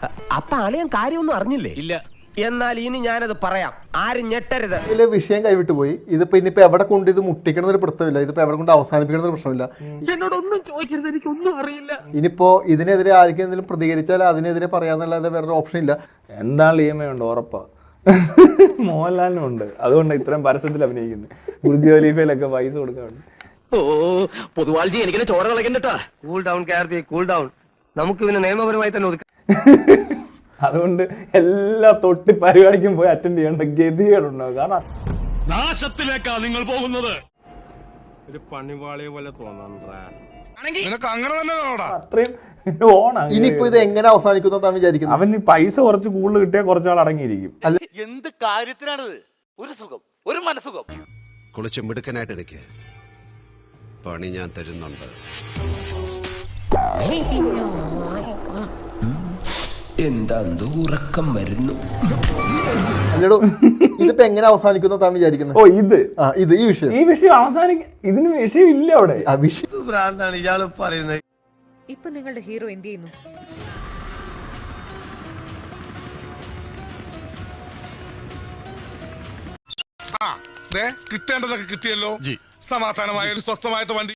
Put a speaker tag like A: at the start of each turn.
A: അപ്പൊ അളിയൻ കാര്യമൊന്നും അറിഞ്ഞില്ലേ? ഇല്ല. എന്നാൽ ഇനി ഞാനത് പറയാം, ആരും ഞെട്ടരുത്.
B: ഇതിലെ വിഷയം കൈവിട്ട് പോയി. ഇതിപ്പോ ഇനിയിപ്പോ എവിടെ കൊണ്ട് ഇത് മുട്ടിക്കണമെന്നൊരു പ്രശ്നമില്ല, ഇതിപ്പോ എവിടെ കൊണ്ട് അവസാനിപ്പിക്കണമെന്നൊരു പ്രശ്നമില്ല.
A: എന്നോടൊന്നും ചോദിക്കരുത്, എനിക്കൊന്നും അറിയില്ല.
B: ഇനിയിപ്പോ ഇതിനെതിരെ ആർക്കും എന്തെങ്കിലും പ്രതികരിച്ചാൽ അതിനെതിരെ പറയാന്നല്ലാതെ വേറൊരു ഓപ്ഷൻ ഇല്ല.
C: എന്താണ് EMI ഉണ്ട് ഉറപ്പാ. മോഹൻലാലിനും ഉണ്ട്, അതുകൊണ്ട് ഇത്രയും പരസ്യത്തിൽ അഭിനയിക്കുന്നത്. ബുർജ് ഖലീഫയിലൊക്കെ പൈസ കൊടുക്കാറുണ്ട്.
A: ഓ പൊതുവാൾജി, എനിക്കിനെ ചോര കളക്കണ്ടട്ടാ. Cool down Karthi, cool down. നമുക്ക് പിന്നെ നിയമപരമായി തന്നെ ഒതുക്കാം.
C: അതുകൊണ്ട് എല്ലാ തൊട്ടി പരിപാടിക്കും പോയി അറ്റൻഡ് ചെയ്യേണ്ട ഗതികേടുണ്ടാവും. കാരണം
D: നാശത്തിലേക്കാ നിങ്ങൾ പോകുന്നത്. ഒരു പണിവാളിയെ പോലെ തോന്നാ.
C: അത്രയും ഓണാണ്.
B: ഇനിയിപ്പോ ഇത് എങ്ങനെ അവസാനിക്കുന്ന താൻ വിചാരിക്കുന്നു?
C: അവന് പൈസ കുറച്ച് കൂടുതൽ കിട്ടിയാൽ കുറച്ചാൾ അടങ്ങിയിരിക്കും.
E: എന്ത് കാര്യത്തിനാണിത്? ഒരു സുഖം, ഒരു മനസുഖം.
F: കുളിച്ച് മിടുക്കനായിട്ട് നിൽക്കുക, പണി ഞാൻ തരുന്നുണ്ട്.
G: എന്താ ഉറക്കം വരുന്നു?
B: അല്ലടോ, ഇതിപ്പോ എങ്ങനെ അവസാനിക്കുന്ന താൻ വിചാരിക്കുന്നത്?
C: ഓ ഇത്
B: ഈ വിഷയം
C: അവസാനിക്കും. ഇതിന് വിഷയം ഇല്ല അവിടെ.
B: ആ വിഷയം
A: ഭ്രാന്താണ് ഇയാള് പറയുന്നത്.
H: ഇപ്പൊ നിങ്ങളുടെ ഹീറോ എന്ത് ചെയ്യുന്നു?
D: കിട്ടേണ്ടതൊക്കെ കിട്ടിയല്ലോ. സമാധാനമായ സ്വസ്ഥമായിട്ട് വണ്ടി